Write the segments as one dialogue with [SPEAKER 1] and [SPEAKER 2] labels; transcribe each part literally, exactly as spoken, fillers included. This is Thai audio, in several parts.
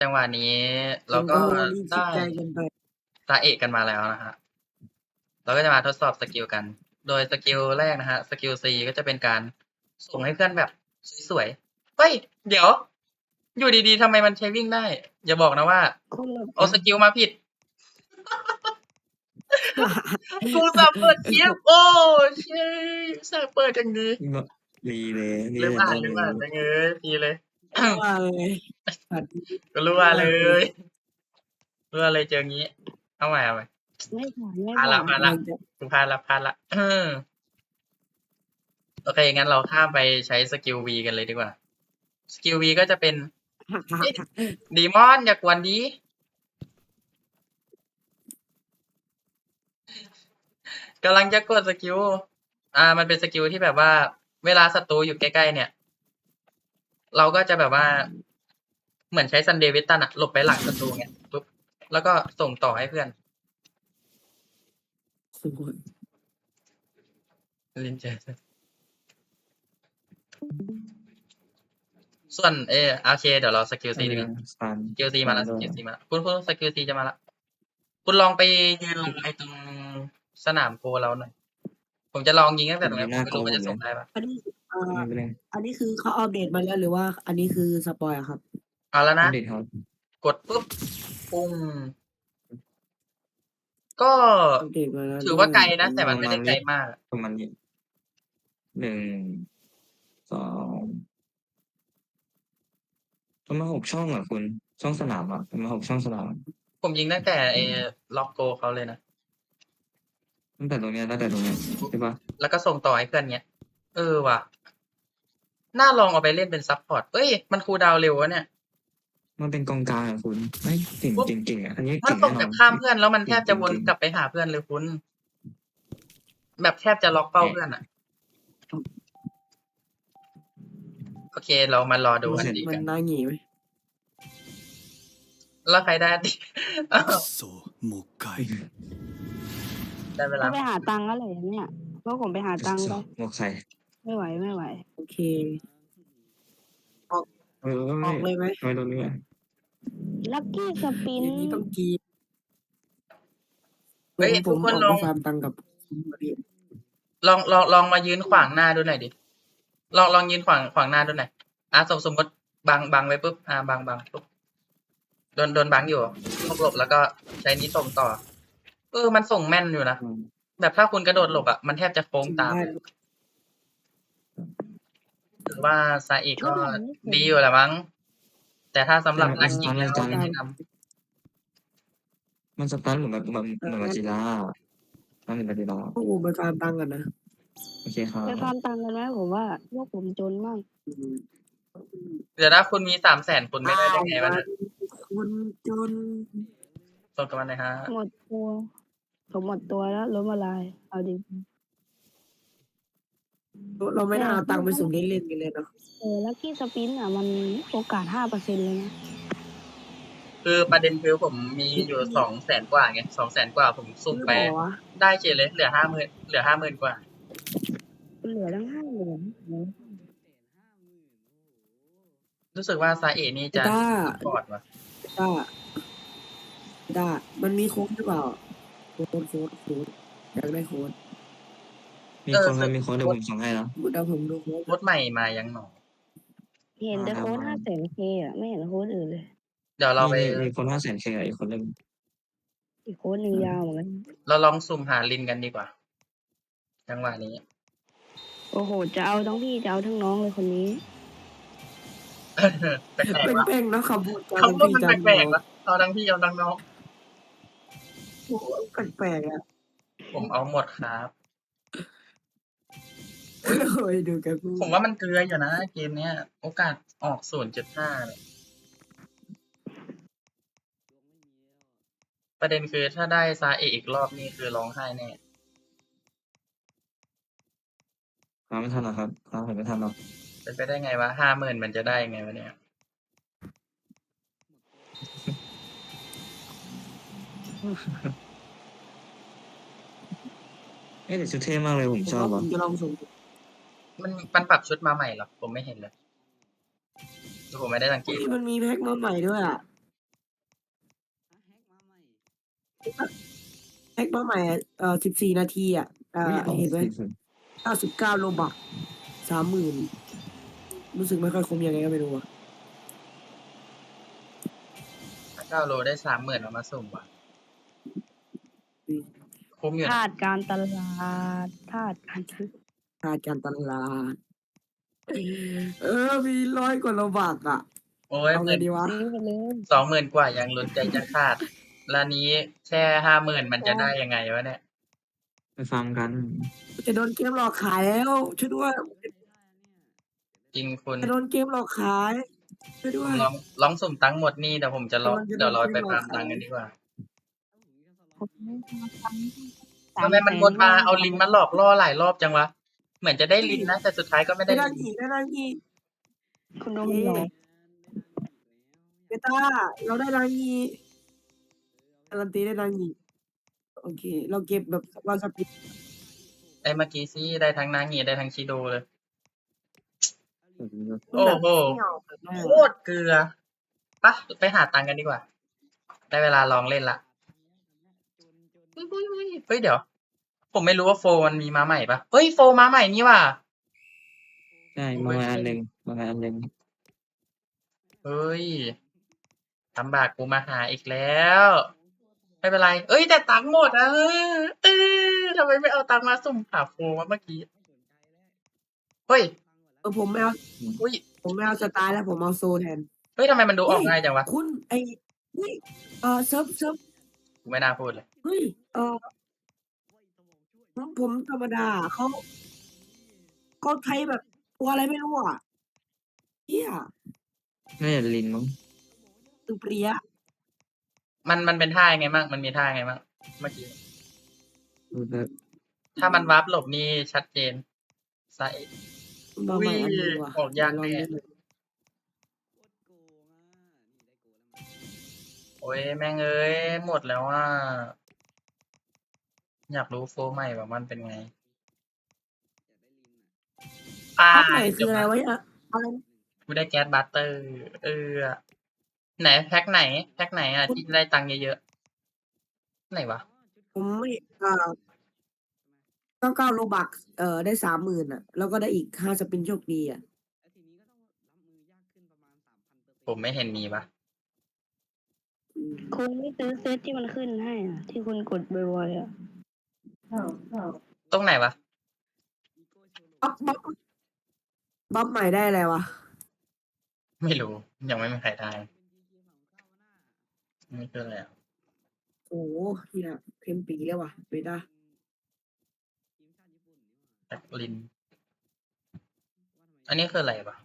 [SPEAKER 1] จังหวะนี้เรา
[SPEAKER 2] โอ้
[SPEAKER 1] ก็
[SPEAKER 2] โห นี่คิ
[SPEAKER 1] ได
[SPEAKER 2] ด้ ไกลเกินไป
[SPEAKER 1] ตาเอกกันมาแล้วนะครับ เราก็จะมาทดสอบสกิลกัน โดยสกิลแรกนะครับ สกิล C ก็จะเป็นการส่งให้เพื่อนแบบสวย ๆ เฮ้ย เดี๋ยว อยู่ดี ๆ ทำไมมันใช้วิ่งได้ อย่าบอกนะว่า
[SPEAKER 2] คนละ
[SPEAKER 1] เอาสกิลมาผิด กูอุตส่าห์เปิดคลิป โอ้ ชิต อุตส่าห์เปิดอย่างดี
[SPEAKER 3] ง ดีเลย ดี
[SPEAKER 1] ลืม
[SPEAKER 3] แต่
[SPEAKER 1] อ่า
[SPEAKER 3] ต้
[SPEAKER 1] น
[SPEAKER 3] น
[SPEAKER 1] ลืม
[SPEAKER 3] เล
[SPEAKER 1] อ่าน
[SPEAKER 3] ย
[SPEAKER 1] แม่งเอ้ย ดีเลย
[SPEAKER 2] รั่วเลย สัตว์
[SPEAKER 1] ก็รั่วเลย รั่วเลยเจองี้ เอาใหม่ เอาใหม่
[SPEAKER 4] ไม่ผ่าน ไม่
[SPEAKER 1] พลาด
[SPEAKER 4] ผ่า
[SPEAKER 1] แล้ว
[SPEAKER 4] น
[SPEAKER 1] พลาดแล้ว กูพลาดแล้ว พลาดแล้ว เออ โอเค งั้นเราข้ามไปใช้สกิล V กันเลยดีกว่า สกิล V ก็จะเป็น เอ๊ะ Demon อย่ากวนดิ กำลังจะกดสกิล อ่า มันเป็นสกิลที่แบบว่า เวลาศัตรูอยู่ใกล้ ๆ เนี่ย เราก็จะแบบว่า เหมือนใช้ Sunday Western อะ หลบไปหลังศัตรูเงี้ย ปุ๊บ แล้วก็ส่งต่อให้เพื่อน
[SPEAKER 2] โอ้โฮ
[SPEAKER 1] ลิ้นเจอ ส่วน เอ โอเค เดี๋ยวเราสกิล C ดีกว่า
[SPEAKER 3] Stun
[SPEAKER 1] สกิล C มาแล้ว ส
[SPEAKER 3] Stun
[SPEAKER 1] กิล C มาแล้ว คุณ คุณ สกิล C จะมาแล้ว คุณลองไปยืนรอไอ้ตรงสนามโกเราหน่อย ผมจะลองยิงตั้งแต่ตรงนี้ ผมไม่รู้มันจะส่งได้เปล่า
[SPEAKER 2] อันนี้ อ่า
[SPEAKER 3] ไม่เป็นไร
[SPEAKER 2] อันนี้คือเขาอัปเดตมาแล้ว หรือว่าอันนี้คือสปอยล์อะครับ?
[SPEAKER 1] เอาแล้ว
[SPEAKER 3] อั
[SPEAKER 1] นะ
[SPEAKER 3] ปเดตครับ
[SPEAKER 1] กดปุ๊บ ปุ้ง ก็
[SPEAKER 2] อัปเดตมาแล้ว
[SPEAKER 1] ถือว่าไกลนะ
[SPEAKER 2] อื
[SPEAKER 1] แต่มัน
[SPEAKER 2] ม
[SPEAKER 1] ไม่ได้ไกลมาก
[SPEAKER 3] ประมาณนี้ หนึ่ง สอง ประมาณ หก ช่องอะคุณ ช่องสนามอะ ประมาณ หก ช่องสนาม
[SPEAKER 1] ผมยิงตั้งแต่ไอ้ล็อกโกเขาเลยนะ
[SPEAKER 3] ตั้งแต่ตรงเนี้ย ตั้งแต่ตรงเนี้ย ใช่เปล่า?
[SPEAKER 1] แล้วก็ส่งต่อให้เพื่อนเงี้ย เออว่ะ น่าลองเอาไปเล่นเป็นซัปพอร์ต เฮ้ย มันคูลดาวน์เร็วนะเนี่ย
[SPEAKER 3] มันเป็นกองกลางอะคุณ เฮ้ย เก่ง
[SPEAKER 1] ปุ๊บ
[SPEAKER 3] เก่ง ๆ อะ อันนี้
[SPEAKER 1] มั
[SPEAKER 3] เก่
[SPEAKER 1] น
[SPEAKER 3] ง
[SPEAKER 1] ส่
[SPEAKER 3] แน่
[SPEAKER 1] ง
[SPEAKER 3] น
[SPEAKER 1] แบ
[SPEAKER 3] อน
[SPEAKER 1] บข้ามเพื่อน แล้วมัน
[SPEAKER 3] เก
[SPEAKER 1] แทบจะว
[SPEAKER 3] ่
[SPEAKER 1] น
[SPEAKER 3] ง ๆ
[SPEAKER 1] กลับไปหาเพื่อนเลยคุณ แบบแทบจะล็อกเป้าเพื่อนอะ โอเค เรามารอดู
[SPEAKER 2] มั
[SPEAKER 1] อั
[SPEAKER 2] น
[SPEAKER 1] นนี้
[SPEAKER 2] มั
[SPEAKER 1] กัน น
[SPEAKER 2] น่าหงีไหม?
[SPEAKER 1] แล้วใครได้ อันนี้ อ้าว ได้เว
[SPEAKER 4] ต้
[SPEAKER 1] ลา
[SPEAKER 4] องไปหาตังค์แล้วแหละเนี่ย พวกผมไปหาตังค์
[SPEAKER 3] ส
[SPEAKER 4] ไป
[SPEAKER 3] หมวกใส่
[SPEAKER 4] ไม่ไหว ไม่ไหว
[SPEAKER 2] โอเค ออก
[SPEAKER 3] เออ
[SPEAKER 2] ออกเลยไหม?
[SPEAKER 3] ทำไมตรงนี้อะ
[SPEAKER 4] Lucky
[SPEAKER 2] อ
[SPEAKER 4] Spin
[SPEAKER 2] ย่างงี้ต้องกรี๊ด
[SPEAKER 1] เฮ้ย
[SPEAKER 2] ผม ผ
[SPEAKER 1] ทุก
[SPEAKER 2] ม
[SPEAKER 1] คน
[SPEAKER 2] ออก
[SPEAKER 1] ล
[SPEAKER 2] ไป
[SPEAKER 1] อง
[SPEAKER 2] ฟาร์มตังค์กับคุณพอดี
[SPEAKER 1] ลอง ลอง ลองมายืนขวางหน้าดูหน่อยดิ ลอง ลองยืนขวาง ขวางหน้าดูหน่อย อ่า สม สมมุติบัง บังไว้ปุ๊บ อ่า บัง บัง ปุ๊บ โดน โดนบังอยู่ หลบ ๆ แล้วก็ใช้นี้ส่งต่อ เออ มันส่งแม่นอยู่นะ
[SPEAKER 3] อืม
[SPEAKER 1] แบบถ้าคุณกระโดดหลบอะ มันแทบจะโค้ง
[SPEAKER 2] จริง
[SPEAKER 1] ตาม
[SPEAKER 2] ได้
[SPEAKER 1] ถือว่าซาอิ
[SPEAKER 4] ช
[SPEAKER 1] ก็
[SPEAKER 4] อบแบบนี้
[SPEAKER 1] ดีอยู่แหละมั้ง แต่ถ้าสำหรับ
[SPEAKER 3] แต่
[SPEAKER 1] นั
[SPEAKER 3] มั
[SPEAKER 1] ก
[SPEAKER 3] น
[SPEAKER 1] ยิง
[SPEAKER 3] stun
[SPEAKER 1] แล้
[SPEAKER 3] แร
[SPEAKER 1] ว
[SPEAKER 3] งจัง
[SPEAKER 1] ไม่แนะนำ
[SPEAKER 3] มัน stun เหมือนแบบ เหมือน
[SPEAKER 2] เอ
[SPEAKER 3] เหมือน
[SPEAKER 2] อ
[SPEAKER 3] Godzilla อะ stun เหมือน Godzilla
[SPEAKER 2] พวกผมไปฟาร์มตังค์ก่อนนะ
[SPEAKER 3] โอเคครั
[SPEAKER 4] ไปฟาร์
[SPEAKER 3] บ
[SPEAKER 4] มตังค์กันไหม? ผมว่าพวกผมจนมาก
[SPEAKER 2] อืม
[SPEAKER 1] เดี๋ยวนะ คุณมี สามแสน คุณไม่ได้ได้ไงวะ
[SPEAKER 2] อ้าว
[SPEAKER 1] เนี่ย
[SPEAKER 2] คนจน
[SPEAKER 1] ส่งกันมาหน่อยครับ
[SPEAKER 4] หมดตัว ผมหมดตัวแล้ว ล้มละลาย เอาจริง
[SPEAKER 2] เรา เราไม่
[SPEAKER 4] แต่
[SPEAKER 2] น่าเอา
[SPEAKER 4] ค
[SPEAKER 2] ตังค์ไป
[SPEAKER 4] มั
[SPEAKER 2] สุ่ม
[SPEAKER 4] น
[SPEAKER 2] เล่น ๆ กันเลยเนาะ
[SPEAKER 4] เออ Lucky Spin อะ มันโอกาส ห้าเปอร์เซ็นต์ เลยนะ
[SPEAKER 1] คือประเด็นคือผมมีอยู่ สองแสน กว่าไง สองแสน กว่า ผมสุ่มไป
[SPEAKER 2] ซื้อเหรอวะ?
[SPEAKER 1] ได้เฉยเลย เหลือ ห้าหมื่น เหลือ ห้าหมื่น กว่า
[SPEAKER 4] เหลือตั้ง ห้าหมื่น โอ้โฮ
[SPEAKER 1] รู้สึกว่าซาอินี่
[SPEAKER 2] ไอ้
[SPEAKER 1] จะ
[SPEAKER 2] ต้า
[SPEAKER 1] ซัปพอร์ตว่ะ
[SPEAKER 2] ต้า ต้า มันมีโค้ดหรือเปล่า? โค้ด โค้ด โค้ด อยากได้โค้ด
[SPEAKER 3] มี
[SPEAKER 1] เออ
[SPEAKER 3] โค้ด
[SPEAKER 1] ค
[SPEAKER 3] ครับ มีโค้ด เดี๋ย
[SPEAKER 1] โค้ด
[SPEAKER 3] วผมส่งให้นะ
[SPEAKER 2] เดี๋ยวผมดูโค้ด
[SPEAKER 1] โค้ดใหม่มายังหนอ?
[SPEAKER 4] เห็น
[SPEAKER 3] มา
[SPEAKER 4] แต่โค้ด
[SPEAKER 3] มา
[SPEAKER 4] ห้าแสนเค อะ ไม่เห็นโค้ดอื่นเลย
[SPEAKER 1] เดี๋ยวเราไป
[SPEAKER 3] มี มี มีโค้ด ห้าแสนเค อะ อีกโค้ดหนึ่ง
[SPEAKER 4] อีกโค้ดหนึ่งยาวเหมือนกัน
[SPEAKER 1] เราลองสุ่มหาลินกันดีกว่า จังหวะนี้
[SPEAKER 4] โอ้โฮ จะเอาทั้งพี่ จะเอาทั้งน้องเลยคนนี้
[SPEAKER 1] เออ แปลก ๆ วะ
[SPEAKER 2] แปลก ๆ เนาะ คำพูด จะ
[SPEAKER 1] คำพูดมันแปลก ๆ วะ เอาทั้งพี่ เอาทั้งน้อง
[SPEAKER 2] โอ้โฮ แปลก ๆ อะ
[SPEAKER 1] ผมเอาหมดครับ
[SPEAKER 2] โอ้ย ดูแกพูด
[SPEAKER 1] ผมว่ามันเกลืออยู่นะเกมเนี้ย โอกาสออก ศูนย์ จุด ห้า เนี่ย ประเด็นคือถ้าได้ซาอิอีกรอบนี่คือร้องไห้แน่
[SPEAKER 3] ตามไม่ทันหรอกครับ ตามผมไม่ทันหรอก
[SPEAKER 1] เป็นไปได้ไงวะ ห้าหมื่น มันจะได้ยังไงวะเนี่ย?
[SPEAKER 3] เอ๊ะ แต่ชุดเท่มากเลย ผม
[SPEAKER 2] ผม
[SPEAKER 3] ชอ
[SPEAKER 2] ว่
[SPEAKER 3] บ
[SPEAKER 2] ผ
[SPEAKER 3] ว่ะ
[SPEAKER 2] มจะลองสุ่ม
[SPEAKER 1] มัน มันปรับชุดมาใหม่เหรอ? ผมไม่เห็นเลย หรือผมไม่ได้สังเก
[SPEAKER 2] อุ๊
[SPEAKER 1] ต
[SPEAKER 2] ย มันมีแพ็กมาใหม่ด้วยอะแพ็กมาใหม่อะเอ่อสิบสี่นาทีอ่ะอ่า
[SPEAKER 3] อุ้ยอ๋อ
[SPEAKER 2] เห็นไหมเก้าสิบเก้าโลบักสามหมื่นรู้สึกไม่ค่อยคุ้มยังไงก็ไม่รู้อ่ะ
[SPEAKER 1] เก้าโลได้สามหมื่นเอามาสุ่มว่ะ
[SPEAKER 2] อืม
[SPEAKER 1] คุ้มอยู่
[SPEAKER 4] ธา
[SPEAKER 1] นะ
[SPEAKER 4] ตุการตลาดธาตุการตลาด
[SPEAKER 2] ค่าการตลาดเออมีร้อยกว่าโลบักอ่ะ
[SPEAKER 1] โอ้ย
[SPEAKER 2] เอา
[SPEAKER 1] ห
[SPEAKER 2] ไง
[SPEAKER 1] มื่น
[SPEAKER 2] ดีวะ
[SPEAKER 4] ซื้อไปเลย
[SPEAKER 1] สองหมื่นกว่ายังลุ้นใจจะขาดแล้วนี้แค่ห้าหมื่นมันจะ
[SPEAKER 4] โอ้
[SPEAKER 1] ได้ยังไงวะเนี่ย
[SPEAKER 3] ไปฟังกัน
[SPEAKER 2] จะโดนเกมหลอกขายแล้วช่วยด้วย
[SPEAKER 1] จริงคุณ
[SPEAKER 2] จะโดนเกมหลอกขายช่วยด้
[SPEAKER 1] ผ
[SPEAKER 2] ว
[SPEAKER 1] ม
[SPEAKER 2] ย
[SPEAKER 1] ลองลองสุ่มตังค์หมดนี่เดี๋ยวผมจะรอ
[SPEAKER 2] กำลังจะ
[SPEAKER 1] เดี๋ยวเรา
[SPEAKER 2] โดนเก
[SPEAKER 1] ไป
[SPEAKER 2] มหล
[SPEAKER 1] ฟา
[SPEAKER 2] อ
[SPEAKER 1] ร์
[SPEAKER 2] ก
[SPEAKER 1] ม
[SPEAKER 2] ขา
[SPEAKER 1] ตัง
[SPEAKER 2] ย
[SPEAKER 1] ค์กันดีกว่า
[SPEAKER 4] สา
[SPEAKER 1] ทำ
[SPEAKER 4] ม
[SPEAKER 1] ไม
[SPEAKER 4] แส
[SPEAKER 1] มัน
[SPEAKER 4] น
[SPEAKER 1] วนมา
[SPEAKER 4] ก็
[SPEAKER 1] เอาลินมาหลอกล่อหลายรอบจังวะ เหมือนจะได้
[SPEAKER 2] เฮ้
[SPEAKER 1] ลิ
[SPEAKER 2] ย
[SPEAKER 1] นนะ แต่สุดท้ายก็ไม่
[SPEAKER 2] ได้
[SPEAKER 1] ได้
[SPEAKER 2] ดัง
[SPEAKER 1] ลิน
[SPEAKER 2] อีกได้ดังอีก
[SPEAKER 4] คุณโด
[SPEAKER 2] เย้
[SPEAKER 4] นหลอก
[SPEAKER 2] เบต้าเราได้ดังอีกการันตีได้ดังอีกโอเค เราเก็บแบบวาซาบิ
[SPEAKER 1] ไอ้เมื่อกี้สิได้ทั้งนางีได้ทั้งชิโดเลย
[SPEAKER 2] มัน
[SPEAKER 1] โอ้
[SPEAKER 2] แบบ
[SPEAKER 1] โฮ
[SPEAKER 2] เสี่ยวแบบว่า
[SPEAKER 1] โคตรเกลือ ไป ไปหาตังค์กันดีกว่า ได้เวลาลองเล่นแล้ว เฮ้ย ๆ ๆ เฮ้ย เดี๋ยว ผมไม่รู้ว่า โฟร์ มันมีมาใหม่เปล่า? เฮ้ย โฟร์ มาใหม่นี่หว่า
[SPEAKER 3] ใช่
[SPEAKER 1] โอ้
[SPEAKER 3] มาใหม่อัน
[SPEAKER 1] ย
[SPEAKER 3] หนึ่ง มาใหม่อันหนึ่ง
[SPEAKER 1] เฮ้ย ลำบากกูมาหาอีกแล้ว ไม่เป็นไร เฮ้ย แต่ตังค์หมดอะ เออ เออ ทำไมไม่เอาตังค์มาสุ่มหา โฟร์ วะเมื่อกี้ เฮ้ย
[SPEAKER 2] เออ ผมไม่เอา
[SPEAKER 3] อืม
[SPEAKER 1] อุ๊ย
[SPEAKER 2] ผมไม่เอาสตาร์แล้วผมเอาโซแทน
[SPEAKER 1] เฮ้ย ทำไมมันดู
[SPEAKER 2] เฮ
[SPEAKER 1] อ้
[SPEAKER 2] ย
[SPEAKER 1] อกง่ายจังวะ?
[SPEAKER 2] คุณไอ้ เฮ้ย เอ่อ เซิร์ฟ เซิร์ฟ
[SPEAKER 1] กูไม่น่าพูดเลย
[SPEAKER 2] เฮ้ย เอ่อ ผม ผมธรรมดาอะ เขา เขาใช้แบบตัวอะไรไม่รู้อะ เหี้ย
[SPEAKER 3] น่าจะลินมั้ง
[SPEAKER 2] ตึงเปรี้ย
[SPEAKER 1] มัน มันเป็นท่ายังไงมั่ง มันมีท่ายังไงมั่งเมื่อกี้?
[SPEAKER 3] ดูแบบ
[SPEAKER 1] ถ้ามันวาร์ปหลบนี่ชัดเจน ซ้าย
[SPEAKER 2] มา
[SPEAKER 1] อุ๊
[SPEAKER 2] ใหม่
[SPEAKER 1] ย
[SPEAKER 2] อันหนึ่งว่ะ
[SPEAKER 1] ออก
[SPEAKER 2] เดี๋
[SPEAKER 1] ยาย
[SPEAKER 2] ว
[SPEAKER 1] ก
[SPEAKER 2] ลอ
[SPEAKER 1] แน
[SPEAKER 2] ง่เล่นหน่อย
[SPEAKER 1] โอ๊ย แม่งเอ้ย หมดแล้วอะ อยากรู้ โฟร์ ใหม่ว่ามันเป็นไง? อา
[SPEAKER 2] แพ็กใหม่ค
[SPEAKER 1] จื
[SPEAKER 2] อบ อะไร
[SPEAKER 1] แล้ว
[SPEAKER 2] วะเนี่ย อะไรนะ?
[SPEAKER 1] กูได้แก๊ส Butter เออ ไหนแพ็กไหน แพ็กไหนอะ
[SPEAKER 2] คุ
[SPEAKER 1] ที่
[SPEAKER 2] ณ
[SPEAKER 1] ได้ตังค์เยอะ ๆ ไหนวะ?
[SPEAKER 2] ผมไม่ อ่า เก้าสิบเก้า โลบัก เอ่อ ได้ สามหมื่น อะ แล้วก็ได้อีก ห้า สปินโชคดีอะ
[SPEAKER 1] ผมไม่เห็นมีวะ
[SPEAKER 2] อืม
[SPEAKER 4] คุณไม่ซื้อเซตที่มันขึ้นให้อะ ที่คุณกดบ่อย ๆ อะ
[SPEAKER 1] ตรงไหนวะ?
[SPEAKER 2] บัฟ บัฟ บัฟใหม่ได้อะไรวะ?
[SPEAKER 1] ไม่รู้ ยังไม่มีใครได้ นี่คืออะไรอะ?
[SPEAKER 2] โอ้โฮ เหี้ย เต็มปีเลยว่ะ เบต้า
[SPEAKER 1] แพ็กลิน อันนี้คืออะไรวะ?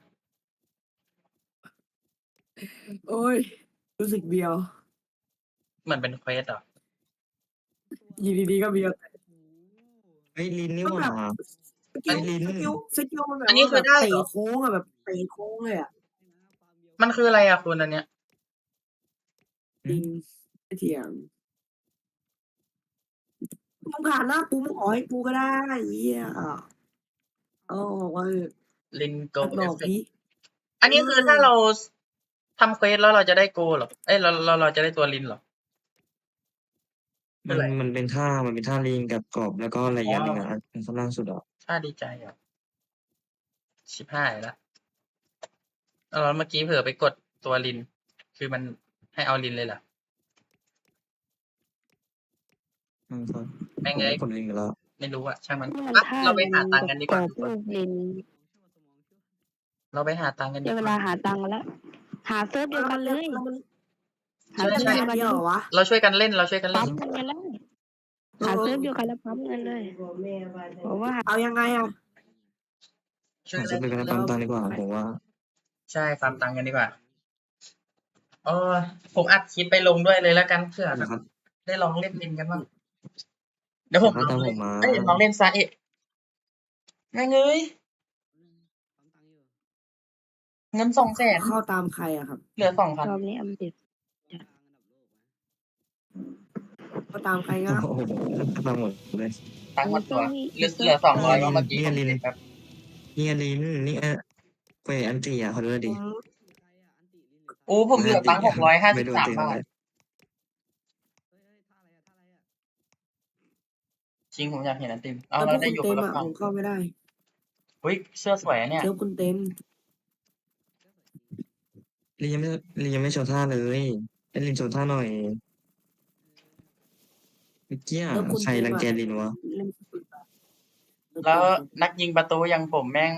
[SPEAKER 2] โอ๊ย รู้สึกเบียว
[SPEAKER 1] เหมือนเป็นเควสเหรอ?
[SPEAKER 2] อยู่ดี ๆ ก็เบียว
[SPEAKER 3] เฮ้ย ลินนี่
[SPEAKER 2] มัน
[SPEAKER 3] หว่า
[SPEAKER 2] แบบ สกิ
[SPEAKER 1] อัน
[SPEAKER 2] ล
[SPEAKER 3] ลิน
[SPEAKER 2] สกิล สกิลมันแบ
[SPEAKER 1] อั
[SPEAKER 2] บ
[SPEAKER 1] นนี้
[SPEAKER 2] ว่า
[SPEAKER 1] คื
[SPEAKER 2] แบ
[SPEAKER 1] อบ ได้
[SPEAKER 2] เตะ
[SPEAKER 1] เหรอ?
[SPEAKER 2] โค้งอะ แบบเตะโค้งเลยอะ
[SPEAKER 1] มันคืออะไรอะคุณ อันเนี้ย?
[SPEAKER 3] อื
[SPEAKER 2] จริง
[SPEAKER 3] ม
[SPEAKER 2] ไม่เถียง มึงผ่านหน้ากู มึงออกให้กูก็ได้ เหี้ย เอาออกมาเถอะ
[SPEAKER 1] ลิน
[SPEAKER 2] ตัด
[SPEAKER 1] Gold
[SPEAKER 2] หลอก
[SPEAKER 1] Effect
[SPEAKER 2] สิ
[SPEAKER 1] อัน
[SPEAKER 2] เอ
[SPEAKER 1] นี้คือถ้า
[SPEAKER 2] อ
[SPEAKER 1] เรา ส ทำเควสแล้วเราจะได้ Gold เหรอ? เอ๊ย เรา เรา เราจะได้ตัวลินเหรอ? ค
[SPEAKER 3] มื
[SPEAKER 1] อัอะ
[SPEAKER 3] น
[SPEAKER 1] ไร?
[SPEAKER 3] มันเป็นท่า มันเป็นท่าลิงกับกรอบ แล้วก็อะไร
[SPEAKER 1] อ
[SPEAKER 3] อี
[SPEAKER 1] ๋อ
[SPEAKER 3] กอันหนึ่งอะ อัน อันข้างล่างสุดอะ
[SPEAKER 1] ท่าดีใจเหรอ? ชิบหายแล้ว อ้าว แล้วเมื่อกี้เผลอไปกดตัวลิน คือมันให้เอาลินเลยเหรอ?
[SPEAKER 3] อืม ครับ
[SPEAKER 1] แม่ง
[SPEAKER 3] ผมก
[SPEAKER 1] เอ้ย
[SPEAKER 3] ดลินไปแล้ว
[SPEAKER 1] ไม่รู้อะ ช่างมัน
[SPEAKER 4] นี่มัน
[SPEAKER 1] ไป
[SPEAKER 4] ท่า
[SPEAKER 1] เราไป
[SPEAKER 4] ลิ
[SPEAKER 1] หาน ตังค์กันดีกว่า
[SPEAKER 4] กรอบ
[SPEAKER 1] ทุก
[SPEAKER 4] ๆ
[SPEAKER 1] ค
[SPEAKER 4] รู
[SPEAKER 1] น
[SPEAKER 4] ปลิน
[SPEAKER 1] เราไปหาตังค์กัน
[SPEAKER 4] ได
[SPEAKER 1] ดี้
[SPEAKER 4] เว
[SPEAKER 1] กว่า
[SPEAKER 4] ลาหาตังค์กันแล้ว หาเซิร์ฟเดียว
[SPEAKER 2] แล้ว
[SPEAKER 4] กั
[SPEAKER 2] มัน น
[SPEAKER 4] เล
[SPEAKER 2] เรียก
[SPEAKER 4] ย
[SPEAKER 2] แล้วมัน
[SPEAKER 4] หา
[SPEAKER 1] ใช่
[SPEAKER 2] เรียก
[SPEAKER 4] เซิร์ฟ
[SPEAKER 1] ๆ
[SPEAKER 4] เดียวกัน
[SPEAKER 2] แบบเดียว
[SPEAKER 4] เล
[SPEAKER 2] เหร
[SPEAKER 4] ย
[SPEAKER 2] อวะ?
[SPEAKER 1] เราช่วยกันเล่น เราช่วยกันเล่
[SPEAKER 4] ปั๊
[SPEAKER 1] น
[SPEAKER 4] มเงินกันได้
[SPEAKER 2] เอ
[SPEAKER 4] หาเซิร์ฟ
[SPEAKER 2] อ
[SPEAKER 4] เดียวกันแล้วปั๊มเงินเลย บอกว่า
[SPEAKER 2] เอายังไงอะ?
[SPEAKER 1] ช่วย
[SPEAKER 3] หา
[SPEAKER 1] เ
[SPEAKER 3] เซ
[SPEAKER 1] ล่
[SPEAKER 3] ต
[SPEAKER 1] น
[SPEAKER 3] เดียวกันแล้ว
[SPEAKER 2] แล้
[SPEAKER 3] ปั๊ม
[SPEAKER 2] ว
[SPEAKER 3] ตังค์ดีกว่า
[SPEAKER 2] ไป
[SPEAKER 3] ผมว่า
[SPEAKER 1] ใช่ ฟาร์มตังค์กันดีกว่า โอ๊ย ผมอัดคลิปไปลงด้วยเลยแล้วกัน เผื่อ
[SPEAKER 3] นั่นแ
[SPEAKER 1] แ
[SPEAKER 3] ห
[SPEAKER 1] บบ
[SPEAKER 3] ละครับ
[SPEAKER 1] ได้ลองเล่นลินกันบ
[SPEAKER 2] อ้
[SPEAKER 1] า
[SPEAKER 2] ื
[SPEAKER 1] ง
[SPEAKER 2] ม
[SPEAKER 1] เดี๋ยว
[SPEAKER 3] เด
[SPEAKER 1] ผี
[SPEAKER 3] ๋ยว
[SPEAKER 1] ม
[SPEAKER 3] ค่อยตาม
[SPEAKER 1] ลองเ
[SPEAKER 3] ผ
[SPEAKER 1] ล่น
[SPEAKER 3] มมา
[SPEAKER 1] เอ๊ย ลองเล่น Zayat แม่งเอ้ย เงิน สองแสน
[SPEAKER 2] เข้าตามใครอะครับ?
[SPEAKER 1] เหลือ สองพัน
[SPEAKER 4] รอบนี้อัปเดต จ้ะ
[SPEAKER 2] เข้าตามใครค
[SPEAKER 3] โอ้
[SPEAKER 2] รับ?
[SPEAKER 3] โฮ ตามหมดเลย
[SPEAKER 1] ตังค์หมดตัว
[SPEAKER 4] มี
[SPEAKER 1] เหลือ
[SPEAKER 4] เซิ
[SPEAKER 1] เหลือ สองร้อย
[SPEAKER 3] นี่ไง
[SPEAKER 1] ว่า
[SPEAKER 3] ลิน
[SPEAKER 1] เมื่อกี้
[SPEAKER 3] นี่ไง
[SPEAKER 1] ผม
[SPEAKER 3] ลิน
[SPEAKER 1] เช็กแป๊บ
[SPEAKER 3] นี่ไงลิน นี่ไง เคว อันติอะ ขอดูหน่อย
[SPEAKER 2] ผ
[SPEAKER 3] ดิ
[SPEAKER 2] ม
[SPEAKER 1] โอ้ ผมเหลือตังค์ หกร้อยห้า
[SPEAKER 3] ไม่
[SPEAKER 1] สิบ
[SPEAKER 3] รู้
[SPEAKER 1] สา
[SPEAKER 3] อัน
[SPEAKER 1] ม
[SPEAKER 3] ติ
[SPEAKER 1] บ
[SPEAKER 3] เท่า
[SPEAKER 1] า
[SPEAKER 3] ไร
[SPEAKER 1] ทจริงผมอยากเห็นอันติเอา
[SPEAKER 2] แล้วพ
[SPEAKER 1] เรา
[SPEAKER 2] วก
[SPEAKER 1] ได้
[SPEAKER 2] คุณ
[SPEAKER 1] อยู่ค
[SPEAKER 2] เต็
[SPEAKER 1] น
[SPEAKER 2] ม
[SPEAKER 1] ละ
[SPEAKER 2] อ่ะ
[SPEAKER 1] ฝั่
[SPEAKER 2] ผ
[SPEAKER 1] ง
[SPEAKER 2] มเข้าไม่ได้
[SPEAKER 1] อุ้ยเสื้อสวยอะเนี่ย
[SPEAKER 2] เซิร์ฟคุณเต็ม
[SPEAKER 3] ลียังไม่ลียังไม่โชว์ท่าเลยให้ลินโชว์ท่าหน่อยเมื่อกี้
[SPEAKER 2] เซิร์ฟคุณ
[SPEAKER 3] ใคร
[SPEAKER 2] เต็ม
[SPEAKER 3] รัง
[SPEAKER 2] อ่ะ
[SPEAKER 3] แกลินวะ
[SPEAKER 2] เล่น
[SPEAKER 1] แล้วนักยิงประตูอย่างผมแม่ง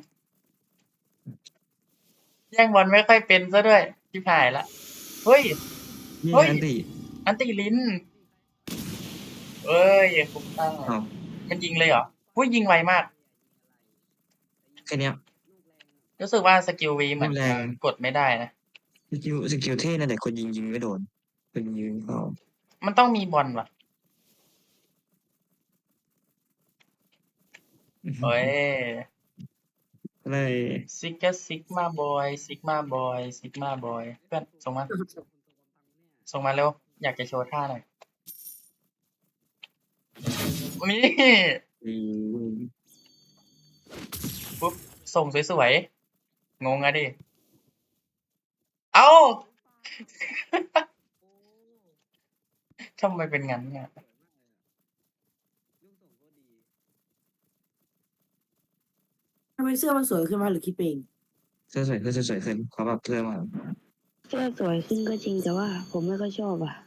[SPEAKER 1] แย่งบอลไม่ค่อยเป็นซะด้วยชิบหายละเฮ้ย
[SPEAKER 3] นี่
[SPEAKER 1] เฮ้ย
[SPEAKER 3] อันติ
[SPEAKER 1] อันติลิ้นเอ้ยคุ้มตั้ง
[SPEAKER 3] อ้าว
[SPEAKER 1] มันยิงเลยเหรออุ้ยยิงไวมาก
[SPEAKER 3] แค่เนี้ย
[SPEAKER 1] รู้สึกว่าสกิลวีเหมือน
[SPEAKER 3] แร
[SPEAKER 1] จะ
[SPEAKER 3] ง
[SPEAKER 1] กดไม่ได้นะ
[SPEAKER 3] สกิลสกิลเท่นั่นแหละคนยิงยิงไม่โดนคนยิงเข้า
[SPEAKER 1] มันต้องมีบอลว่ะโอ้ย
[SPEAKER 3] อะไร
[SPEAKER 1] ซิกเกอร์ซิกมาบอยซิกมาบอยซิกมาบอยเพื่อนส่งมา ส่งมาเร็ว อยากจะโชว์ท่าหน่อยนี่
[SPEAKER 3] อืม
[SPEAKER 1] ปุ๊บส่งสวยๆ งงอะดิ เอ้า ทำไมเป็นงั้นเนี่ย
[SPEAKER 2] ทำไมเสื้อมันสวยขึ้นมาหรือคิดเอง
[SPEAKER 3] เสื้อสวยขึ้นเสื้อสวยขึ้นเขาแบบเสื้อมา
[SPEAKER 4] เสื้อสวยขึ้นก็จริงแต่ว่า ผมไม่ค่อยชอบอ่ะ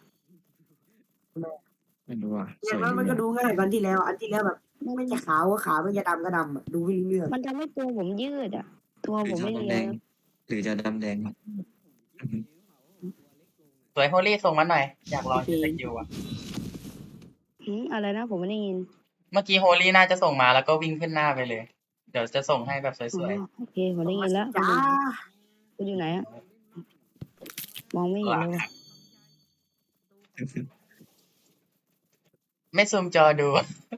[SPEAKER 3] ไม่รู้อ่ะ
[SPEAKER 2] อ
[SPEAKER 3] ส
[SPEAKER 2] ย่าง
[SPEAKER 3] วย
[SPEAKER 2] นั้น
[SPEAKER 3] ดี
[SPEAKER 2] มันก็
[SPEAKER 3] อะ
[SPEAKER 2] ดูง่ายกว่าอันที่แล้ว อันที่แล้วแบบ ไม่จะขาวก็ขาวไม่จะดำก็ดำอ่ะดูไม่รู้เรื่อง
[SPEAKER 4] มันทำให้ตัวผมยืดอ่ะ ตัว
[SPEAKER 3] หรื
[SPEAKER 4] ผ
[SPEAKER 3] อ
[SPEAKER 4] ม
[SPEAKER 3] จะ
[SPEAKER 4] ไม่
[SPEAKER 3] ดำ
[SPEAKER 4] เรี
[SPEAKER 3] แด
[SPEAKER 4] ยว
[SPEAKER 3] งหรือจะดำแดง
[SPEAKER 1] สวยโฮลี่ส่งมาหน่อย อยากลองใช้สกิลอ่ะ
[SPEAKER 4] หืมอะไรนะผมไม่ได้ยิน
[SPEAKER 1] เมื่อกี้โฮลี่น่าจะส่งมาแล้วก็วิ่งขึ้นหน้าไปเลย เดี๋ยวจะส่งให้แบบส
[SPEAKER 4] อ๋อ
[SPEAKER 1] วย
[SPEAKER 4] โอเคผมได้ยินแล้ว
[SPEAKER 2] จ้า
[SPEAKER 4] คุณอยู่ไหนอะมองไม่เห็นเลยว่ะ
[SPEAKER 1] ๆ ไม่ซูมจอดู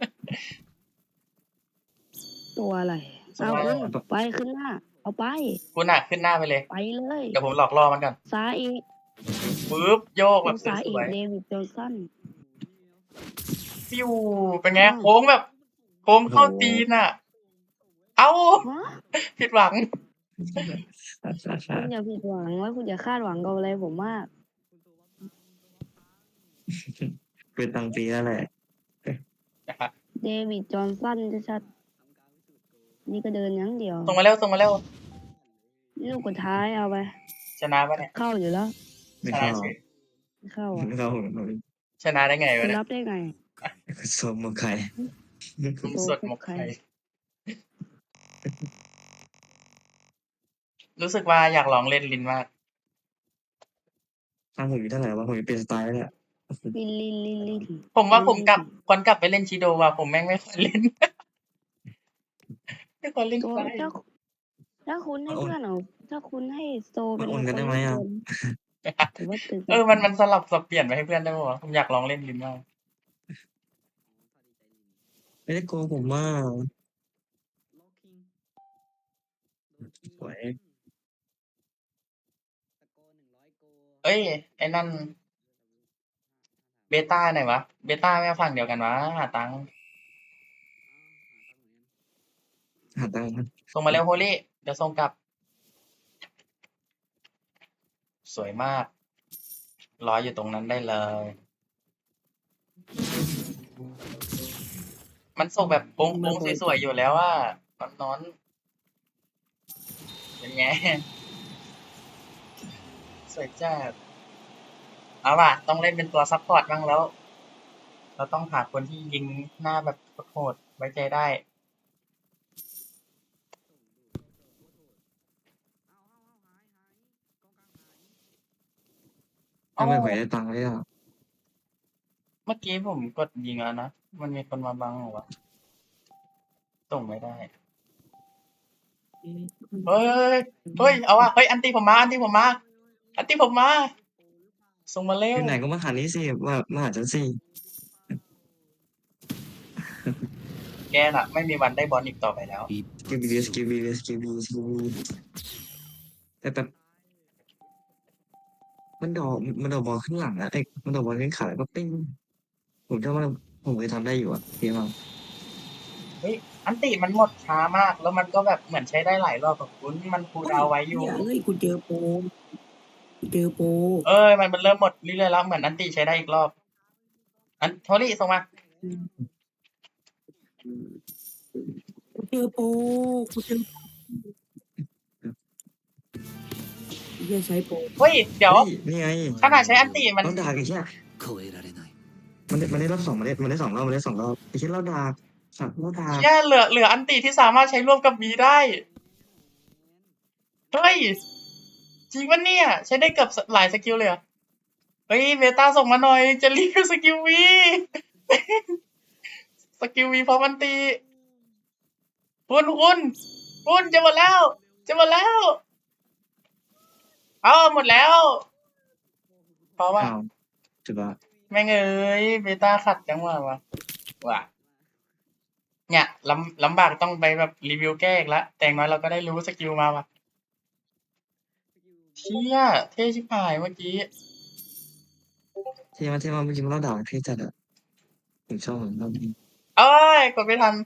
[SPEAKER 4] ตัวอะไร
[SPEAKER 1] สวย
[SPEAKER 4] เอาคุณไปขึ้นหน้า เอาไป
[SPEAKER 1] คุณอ่ะขึ้นหน้าไปเลย
[SPEAKER 4] ไปเลย
[SPEAKER 1] เดี๋ยวผมหลอกล่อมันก่อน
[SPEAKER 4] ซ้ายอีก
[SPEAKER 1] ปึ๊บโยกแบ
[SPEAKER 4] ดู
[SPEAKER 1] บส
[SPEAKER 4] ซ้ายอีก
[SPEAKER 1] วย
[SPEAKER 4] เดวิดโจนสัน
[SPEAKER 1] ๆฟิวเป็นไง
[SPEAKER 4] อ้าว
[SPEAKER 1] โค้งแบบ โค้งเข้าตีนอ่ะ เอ้า
[SPEAKER 4] ฮะ
[SPEAKER 1] ผิดหวัง
[SPEAKER 4] คุณอย่าผิดหวังว่าคุณอย่าคาดหวังกับอะไรผมมาก
[SPEAKER 3] เป็นตังปีนั่นแหละ
[SPEAKER 4] เดวิดจอห์นสันชัดๆนี่ก็เดินอย่างเดียว
[SPEAKER 1] ส่งมาเร็วส่งมาเร็ว
[SPEAKER 4] ลูกสุดท้ายเอาไป
[SPEAKER 1] ชนะปะเนี่ย
[SPEAKER 4] เข้าอยู่แล้ว
[SPEAKER 3] ไม่
[SPEAKER 1] ชนะ
[SPEAKER 3] เข้า
[SPEAKER 1] เฉย
[SPEAKER 4] ไม่เข้าอ่ะ
[SPEAKER 3] ไม่เข้า
[SPEAKER 1] ชนะได้ไง
[SPEAKER 4] คุ
[SPEAKER 1] วะ
[SPEAKER 4] ณ
[SPEAKER 1] เนี่ย
[SPEAKER 4] รับได้ไง
[SPEAKER 3] สมมไข่
[SPEAKER 1] คุมสดหมกไข่รู้สึกว่าอยากลองเล่นลินมาก
[SPEAKER 3] ทางผมมีเท่าไหร่วะผมมีเป็นสไตล์แล้วเนี่ย
[SPEAKER 4] ลินลินลินลิน
[SPEAKER 1] ผมว่าผมกลับควรกลับไปเล่นชิโดว่ะผมแม่งไม่ควรเล่น ไม่ควรเล่น
[SPEAKER 4] ตัว
[SPEAKER 1] ไฟ
[SPEAKER 4] ถ้าถ้าคุณให้เพื่อนเอาถ้าคุณให้โซเป็น
[SPEAKER 3] มาโอนกัน
[SPEAKER 4] ค
[SPEAKER 3] ได้ไหม
[SPEAKER 4] เล่น
[SPEAKER 3] อ่ะ
[SPEAKER 4] เกมผมว่าตึก
[SPEAKER 1] เออมันมันสลับสับเปลี่ยนไปให้เพื่อนได้ป่าวะผมอยากลองเล่นลินมาก
[SPEAKER 3] ไม่ได้โกงผมมากสวย
[SPEAKER 1] เอ้ยไอ้นั่น เบต้าไหนวะ เบต้าไม่ฝั่งเดียวกันวะหาตังค์
[SPEAKER 3] หาตังค์
[SPEAKER 1] ส่งมาเร็วโฮลี่เดี๋ยวส่งกลับ สวยมาก รออยู่ตรงนั้นได้เลย มันส่งแบบโค้งๆสวยๆอยู่แล้วว่านอนๆเป็นไง สวยจัดเอาว่ะต้องเล่นเป็นตัวซัพพอร์ตบ้างแล้ว เราต้องหาคนที่ยิงหน้าแบบโหดๆไว้ใจได้
[SPEAKER 3] ทำไมผมได้ตังค์เลยอ่ะ
[SPEAKER 1] เมื่อกี้ผมกดยิงแล้วนะ มันมีคนมาบังเหรอวะ ส่งไม่ได้ เฮ้ย เฮ้ย เอาว่ะ เฮ้ย อันตีผมมา อันตีผมมา อันตีผมมา ส่งมาเร็
[SPEAKER 3] อ
[SPEAKER 1] ว
[SPEAKER 3] ยู่ไหนก็มาหานี้สิมามาหาฉันสิ
[SPEAKER 1] แกน่ะ ไม่มีวันได้บอลอีกต่อไปแล้ว
[SPEAKER 3] สกิลบีสกิลบีสกิลบีสกิลบีแต่แบบมันดอกมันดอกบอลขึ้นหลังอะไอ้มันดอกบอลขึ้นขาแล้วก็ปิ้งผมเชื่อว่าผมเคยทำได้อยู่อะเพียงว่า
[SPEAKER 1] เฮ้ย อันติมันหมดช้ามาก แล้วมันก็แบบเหมือนใช้ได้หลายรอบกับคุณ มันคูลดาวน์ไว้อยู่
[SPEAKER 2] เฮ้ยกูเจอโปรกูเจอโปร
[SPEAKER 1] เอ้ย มันมันเริ่มหมดเรื่อยๆแล้ว เหมือนอันติใช้ได้อีกรอบ อันโทรี่ส่งมา
[SPEAKER 2] กูเจอโปกูเจอเฮียใช้โป
[SPEAKER 1] เฮ้ยเดี๋ยว
[SPEAKER 3] เฮ้ยนี่ไง
[SPEAKER 1] ขนาดใช้อันติมัน
[SPEAKER 3] เราด่าไอ้เหี้ย
[SPEAKER 5] 超えられない
[SPEAKER 3] มันได้มันได้รอบสองมันได้มันได้สองรอบมันได้สองรอบไอ้เหี้ยเราด่าสัตว์เราด่า
[SPEAKER 1] แค่เหลือเหลืออันติที่สามารถใช้ร่วมกับบีได้เฮ้ยจริงปะเนี่ย ใช้ได้เกือบหลายสกิลเลยเหรอเฮ้ยเบต้าส่งมาหน่อย จะรีวิวสกิลวีสกิลวีพร้อมอันติคุณคุณคุณจะหมดแล้ว จะหมดแล้วเอาหมดแล้วเพราะว่า
[SPEAKER 3] อ้าวจุดว่า
[SPEAKER 1] แม่งเอ้ยเบต้าขัดจังหวะวะว่ะเนี่ยลำลำบากต้องไปแบบรีวิวแก้อีกละแต่อย่างน้อยเราก็ได้รู้สกิลมาว่ะเชี่ยเท่ชิบหายเมื่อกี้
[SPEAKER 3] เท่มากเท่มากเมื่อกี้มันเราด่าเท่จัดอะผมชอบผมชอบ
[SPEAKER 1] เอ้ยกดไม่ทัน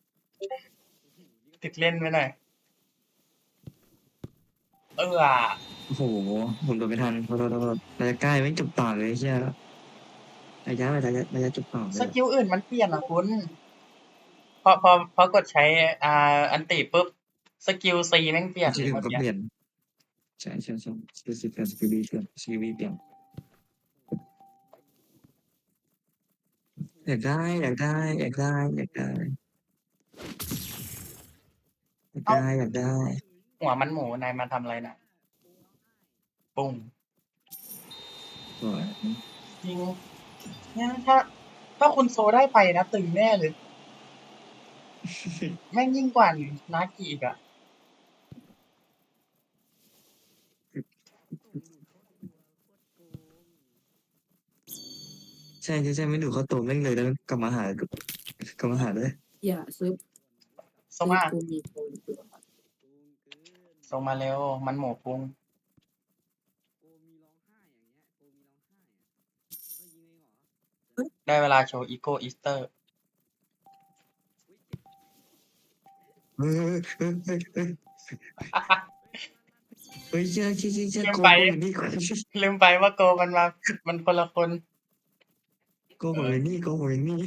[SPEAKER 1] ติดเล่นไปหน่อย เอออ่ะ
[SPEAKER 3] โอ้โหผมโดนไม่ทันเพราะเราเราเราจะใกล้ไม่จบต่อเลยใช่ไหมระยะระยะระยะจบต่อเล
[SPEAKER 1] ส
[SPEAKER 3] ย
[SPEAKER 1] กิลอื่นมันเปลี่ยนอ่ะคุณพอพอพอกดใช้อ่าอันติปุ๊บสกิลซีแม่งเปลี่ยน
[SPEAKER 3] ชื่ออื่น
[SPEAKER 1] เมื่อ
[SPEAKER 3] ก็
[SPEAKER 1] กี้
[SPEAKER 3] เปลี่ยนใช่ใช่ใช่สกิลสิบเปลี่ยนสกิลบีเปลี่ยนสกิลบีเปลี่ยนอยากได้อยากได้อยากได้อยากได้อยากได้อยากได้
[SPEAKER 1] หัวมันหมูนายมาทำอะไรนะปุ้ง
[SPEAKER 3] สวย
[SPEAKER 1] จริงเนี่ยถ้า ถ้าคุณโซได้ไปนะตึงแน่เลย แม่งยิ่งกว่านากิอีกอ่ะ
[SPEAKER 3] ใช่ใช่ใช่ไม่ดูเขาโตแม่งเลยแล้วกลับมาหากลับมาหาเลย
[SPEAKER 2] อย่าซื้อ
[SPEAKER 1] ส่งมา
[SPEAKER 2] กูมีโปร
[SPEAKER 1] ส่งมาเร็ว มันหมูปุ้ง ได้เวลาโชว์อีโก้อีสเตอร์
[SPEAKER 3] เฮ้ยเฮ้ยเฮ้ยเฮ้ยเฮ้ยเชื่อเชื่อเชื่อเชื่อ
[SPEAKER 1] ลืม
[SPEAKER 3] โก
[SPEAKER 1] ไป
[SPEAKER 3] โกอยู่นี่โก
[SPEAKER 1] ลืมไปว่าโกมันมา มันคนละคน
[SPEAKER 3] โกผมอยู่นี่โกผมอยู่นี่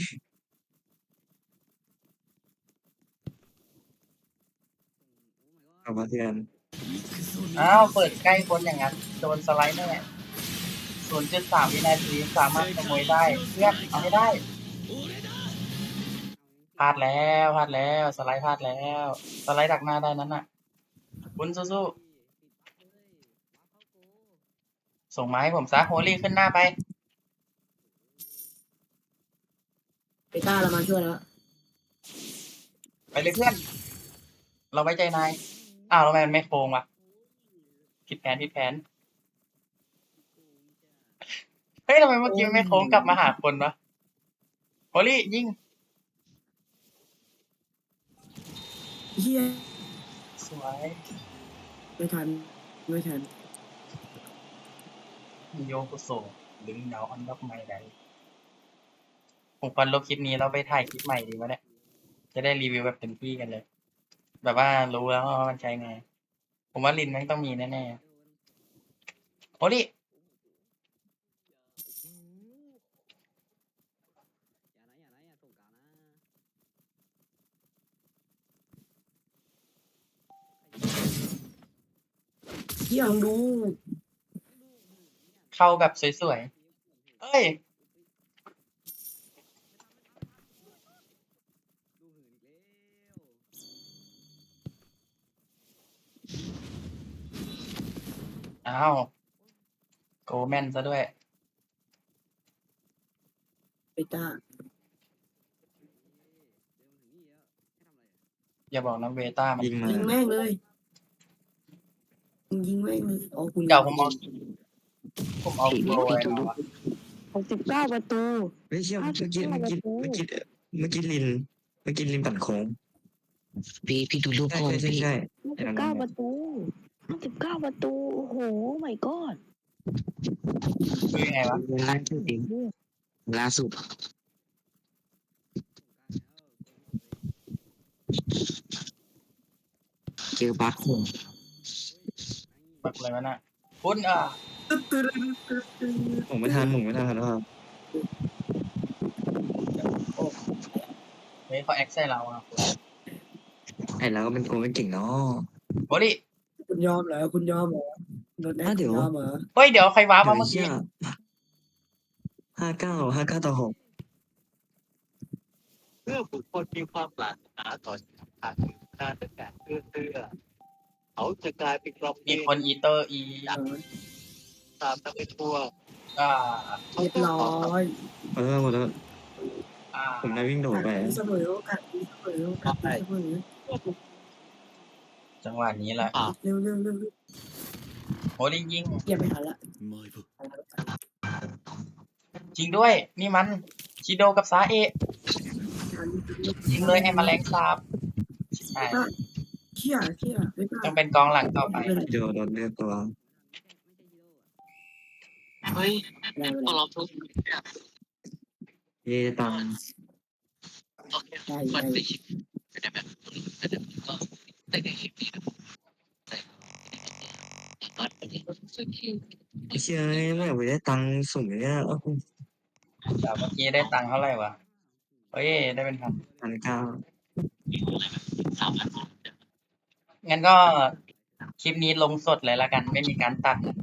[SPEAKER 3] เอามาเทียน
[SPEAKER 1] อ้าว เปิดใกล้คนอย่างนั้น โดนสไลด์แน่ ศูนย์จุดสาม วินาทีสามารถขโมยได้ เพื่อนเอาไม่ได้พลาดแล้วพลาดแล้วสไลด์พลาดแล้ว สไลด์ดักหน้าได้นั้นน่ะ คุณสู้ๆส่งมาให้ผมซะโฮลี่ขึ้นหน้าไป
[SPEAKER 2] เบต้าเรามาช่วยแล้ว
[SPEAKER 1] ไปเลยเพื่อน เราไว้ใจนาย อ้าวแล้วทำไมมันไม่โค้งวะผิดแผนผิดแผน เฮ้ยทำไมเมื่อกี้มันไม่โค้งกลับมาหาคนวะโฮลี่ยิง
[SPEAKER 2] เฮีย
[SPEAKER 1] สวย
[SPEAKER 2] ไม่ทันไม่ทัน
[SPEAKER 1] โยกุโซดึงดาวอันดับใหม่ได้ผมควรลบคลิปนี้แล้วไปถ่ายคลิปใหม่ดีวะเนี่ย จะได้รีวิวแบบเต็มที่กันเลย แบบว่ารู้แล้วว่ามันใช้ไง ผมว่าลินแม่งต้องมีแน่ๆโอ้ดิ
[SPEAKER 2] เฮียลองดู
[SPEAKER 1] เข้าแบบสวยๆ เอ้ย อ้าว โกแมนซะด้วย
[SPEAKER 2] เบต้า
[SPEAKER 1] อย่าบอกนะเวต้ามัน
[SPEAKER 3] ยิงมา
[SPEAKER 2] ยิงแม่งเลยยิงแม่งเลยอ๋อคุณ
[SPEAKER 1] เดี๋ยวผมเอาผมเอาโกไว้มาวะ
[SPEAKER 4] หกสิบเก้าประตู
[SPEAKER 3] เฮ้ยเชื่อเมื่อกี้เมื่อกี้เมื่อกี้เมื่อกี้ลินเมื่อกี้ลินปั่นโค้ง
[SPEAKER 5] พี่พี่ดูรูป
[SPEAKER 3] ใช่
[SPEAKER 5] ก่อน
[SPEAKER 3] ใช่ใช่
[SPEAKER 5] พี่
[SPEAKER 3] ใช่
[SPEAKER 4] ห้าสิบเก้าประตูห้าสิบเก้าประตู โอ้โห my god
[SPEAKER 1] คือยังไงวะ
[SPEAKER 5] ล่าสุดเองล่าสุดเจอบัคผม
[SPEAKER 1] บักเลยวะน่ะคุณอ่ะ
[SPEAKER 3] ผมไม่ทันผมไม่ทันแล้วครับ
[SPEAKER 1] เวเฮ้ยเขาแอคใส่เราอ่ะ
[SPEAKER 3] ไอ้เราก็เป็นคนไม่เก่งเนาะ
[SPEAKER 1] โอ้ดิ
[SPEAKER 2] คุณยอมเหรอคุณยอมเหรอโดนแอ
[SPEAKER 3] อ่ะ
[SPEAKER 2] ค
[SPEAKER 3] เดี๋
[SPEAKER 2] คุ
[SPEAKER 3] ยว
[SPEAKER 2] ณยอมเหรอ
[SPEAKER 1] เฮ้ยเดี๋ยวใครว้า
[SPEAKER 3] เดี๋ยว
[SPEAKER 1] มา
[SPEAKER 3] ไอ้
[SPEAKER 1] เมื่อ
[SPEAKER 3] เหี้
[SPEAKER 1] กี้
[SPEAKER 3] ยห้าเก้าห้าเก้าต่อหก
[SPEAKER 6] เมื่อบุคคลมีความปรารถนาต่อสิ่งต่างๆนาตั้งแต่เอื้อเตื้อเขาจะกลายเป็นกรอบ
[SPEAKER 1] มีคนอีเตอร์อี
[SPEAKER 2] เออ
[SPEAKER 6] ตามนักไปทั่ว
[SPEAKER 1] อ่า
[SPEAKER 2] เรียบร้อย
[SPEAKER 3] หมดแล้วหมดแล้ว
[SPEAKER 1] อ่า
[SPEAKER 3] ผมได้วิ่งโดดไป
[SPEAKER 2] เสมอโอกาสดีเสมอโอกาสดีเสมอ
[SPEAKER 1] จังหวะนี้แหละ
[SPEAKER 2] เร็วเร็วเร็วเร็ว
[SPEAKER 1] โหดิยิง
[SPEAKER 2] อย่าไปหาละ
[SPEAKER 1] จริงด้วย นี่มันชิโดกับซาเอะยิงเลยไอ้แมลงสาบใช่
[SPEAKER 2] เชี่ยเชี่ยไม่ได้
[SPEAKER 1] ต้องเป็นกองหลังต่อไป
[SPEAKER 3] เดี๋ยวโดนเลือกตัว
[SPEAKER 6] เฮ้ย
[SPEAKER 2] ได้
[SPEAKER 6] พวกเราทุก
[SPEAKER 3] เย่ตัง
[SPEAKER 2] ได้
[SPEAKER 6] มัน
[SPEAKER 2] ได้
[SPEAKER 6] ได้ยินไม่ได้แบบแต่ก็ได้ในคลิปนี้นะแต่ตอนนี้สึกที่
[SPEAKER 3] ไอ้เชี่ยไม่อยากไปได้ตังค์สุ่มอย่างเงี้ยเอ้า
[SPEAKER 1] แต่เมื่อกี้ได้ตังค์เท่าไหร่วะ เฮ้ย ได้เป็นพัน
[SPEAKER 3] พันเก้า
[SPEAKER 6] สามพัน
[SPEAKER 1] งั้นก็คลิปนี้ลงสดเลยละกัน ไม่มีการตัด